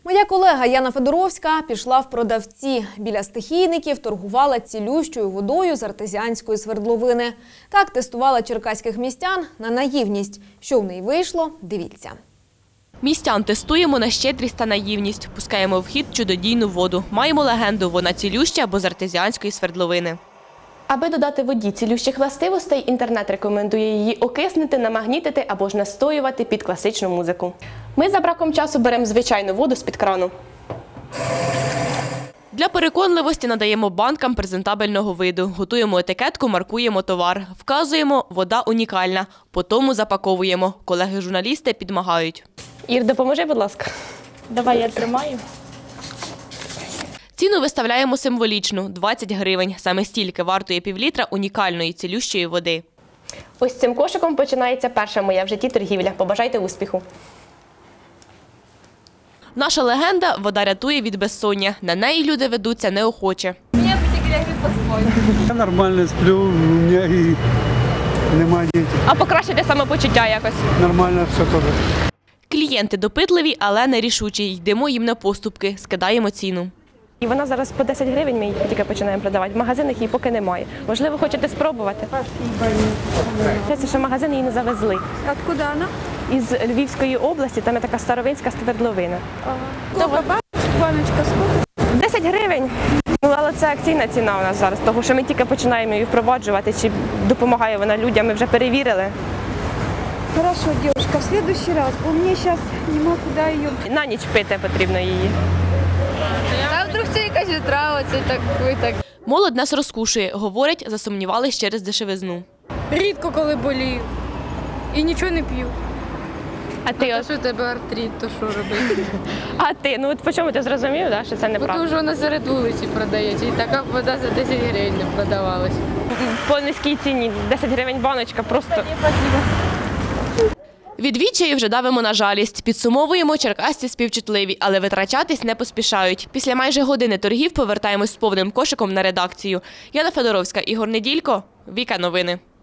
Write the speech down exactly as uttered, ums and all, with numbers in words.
Моя колега Яна Федоровська пішла в продавці. Біля стихійників торгувала цілющою водою з артезіанської свердловини. Так тестувала черкаських містян на наївність. Що в неї вийшло – дивіться. Містян тестуємо на щедрість та наївність. Пускаємо в хід чудодійну воду. Маємо легенду – вона цілюща, бо з артезіанської свердловини. Аби додати воді цілющих властивостей, інтернет рекомендує її окиснити, намагнітити або ж настоювати під класичну музику. Ми за браком часу беремо звичайну воду з-під крану. Для переконливості надаємо банкам презентабельного виду. Готуємо етикетку, маркуємо товар. Вказуємо – вода унікальна. Потому запаковуємо. Колеги-журналісти підмагають. Ір, допоможи, будь ласка. Давай, я тримаю. Ціну виставляємо символічну – двадцять гривень. Саме стільки вартує півлітра унікальної цілющої води. Ось цим кошиком починається перша моя в житті торгівля. Побажайте успіху. Наша легенда – вода рятує від безсоння. На неї люди ведуться неохоче. Мені потеряли поспой. Я нормально сплю, у мене і немає дітей. А покращити самопочуття якось? Нормально все теж. Клієнти допитливі, але нерішучі. Йдемо їм на поступки, скидаємо ціну. І вона зараз по десять гривень, ми її тільки починаємо продавати. В магазинах її поки немає. Можливо, хочете спробувати? Це ще магазин її не завезли. Откуда вона? Із Львівської області, там є така старовинська свердловина. Ага. Баночка сколько? десять гривень. Ну, але це акційна ціна у нас зараз, тому що ми тільки починаємо її впроваджувати, чи допомагає вона людям, ми вже перевірили. Хорошо, девушка, в следующий раз, бо мені зараз нема куди її. На ніч пити потрібно її. А вдруг це якась отрава, це так, ви так. Молодь нас розкушує, говорять, засумнівались через дешевизну. Рідко коли болію і нічого не п'ю. А ти, А от, що у тебе артрит, то що робити? а ти, ну от по чому ти зрозумів, да, що це Бо неправда? тому що вона серед вулиці продається, і така вода за десять гривень не продавалась. По низькій ціні, десять гривень баночка, просто... Від відчаю вже давимо на жалість. Підсумовуємо, черкасці співчутливі, але витрачатись не поспішають. Після майже години торгів повертаємось з повним кошиком на редакцію. Яна Федоровська, Ігор Неділько, Віка Новини.